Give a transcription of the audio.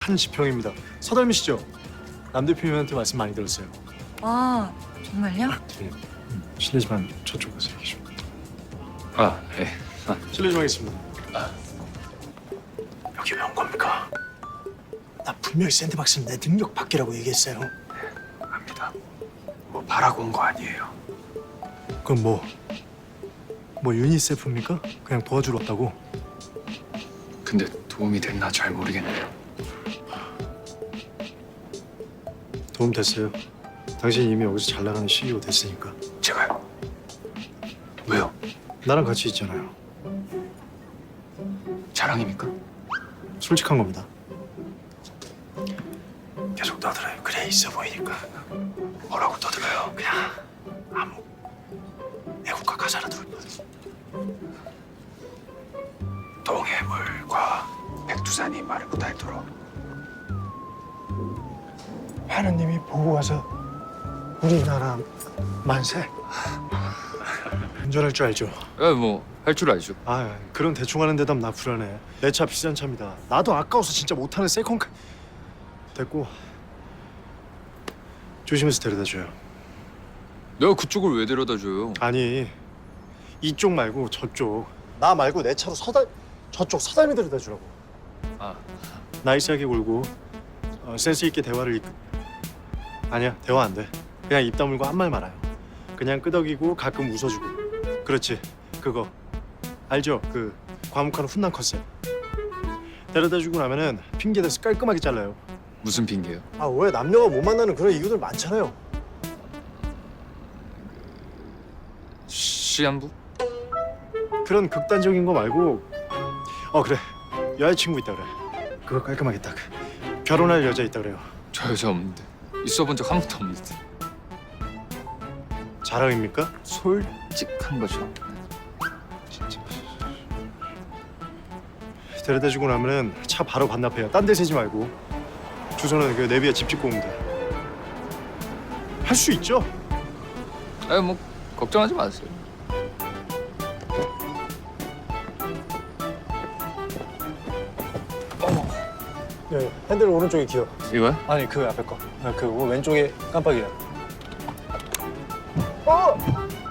한 지평입니다. 서달미시죠? 남 대표님한테 말씀 많이 들었어요. 아, 정말요? 네. 실례지만 저쪽 가서 얘기 좀. 아, 예. 실례 좀 하겠습니다. 여기 왜 온 겁니까? 나 분명히 샌드박스는 내 능력 밖이라고 얘기했어요. 압니다. 뭐 바라고 온 거 아니에요. 그럼 뭐 유니세프입니까? 그냥 도와주러 왔다고? 근데 도움이 됐나 잘 모르겠네요. 도움 됐어요. 당신 이미 여기서 잘 나가는 CEO 됐으니까. 제가요? 왜요? 나랑 같이 있잖아요. 자랑입니까? 솔직한 겁니다. 계속 떠들어요. 그래 있어 보이니까. 뭐라고 떠들어요? 그냥 아무 애국가 가사라도 불러요. 동해물과 백두산이 말을 못하도록. 하느님이 보고 와서 우리나라 만세. 운전할 줄 알죠? 뭐 할 줄 알죠. 아 그런 대충 하는 대답 나 불안해. 내 차 비싼 차입니다. 나도 아까워서 진짜 못하는 세컨카. 됐고 조심해서 데려다 줘요. 내가 그쪽을 왜 데려다 줘요? 아니 이쪽 말고 저쪽. 나 말고 내 차로 저쪽 서달미 데려다 주라고. 아, 나이스하게 굴고 센스 있게 대화를 아니야 대화 안 돼. 그냥 입 다물고 한 말 말아요. 그냥 끄덕이고 가끔 웃어주고. 그렇지 그거 알죠? 그 과묵한 훈남 컨셉. 데려다 주고 나면은 핑계 대서 깔끔하게 잘라요. 무슨 핑계요? 아 왜 남녀가 못 만나는 그런 이유들 많잖아요. 시한부? 그런 극단적인 거 말고 그래 여자친구 있다 그래. 그거 깔끔하게 딱 결혼할 여자 있다 그래요. 저 여자 없는데. 있어본 적 한 번도 없는데. 자랑입니까? 솔직한 거죠. 진짜. 데려다 주고 나면은 차 바로 반납해요. 딴 데 세지 말고. 주소는 그 내비에 집 짓고 오면 돼. 할 수 있죠? 뭐 걱정하지 마세요. 네, 핸들 오른쪽에 기어. 이거요? 아니 그 앞에 거. 그 왼쪽에 깜빡이야.